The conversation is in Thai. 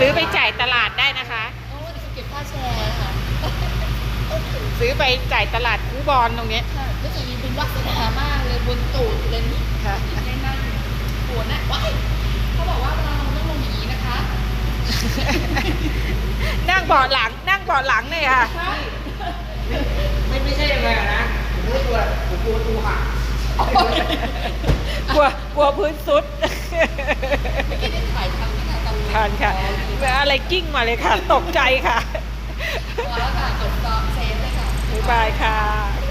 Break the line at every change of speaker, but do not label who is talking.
ซื้อไปจ่ายตลาดได้นะคะ
โอ้เดี๋ยวเก็บค่าแชร์ค่ะ
ซื้อไปจ่ายตลาดคูบอลตรงนี้
ค่ะรู้สึกมีเป็นวัฒนามากเลยบนตูดเลยนี่
ค่ะ
ได้นั่งปวดนะว้ายเขาบอกว่าเวลาเราต้องลงอย่างนี้นะคะ
นั่งเบาะหลังเนี่ยค่ะ
ใช่
ไม่ใช่ยังไงนะผมไม่กลัวผมกลัวประตูหัก
กลัวพื้นซุด
ไม่ได้ถ่ายทำที่ไหนตำ
ทานค่ะอะไรกิ้งมาเลยค่ะ ตกใจค่ะ
แล้วค่ะจบก็เซฟเลยค่ะ
บ๊ายบายค่ะ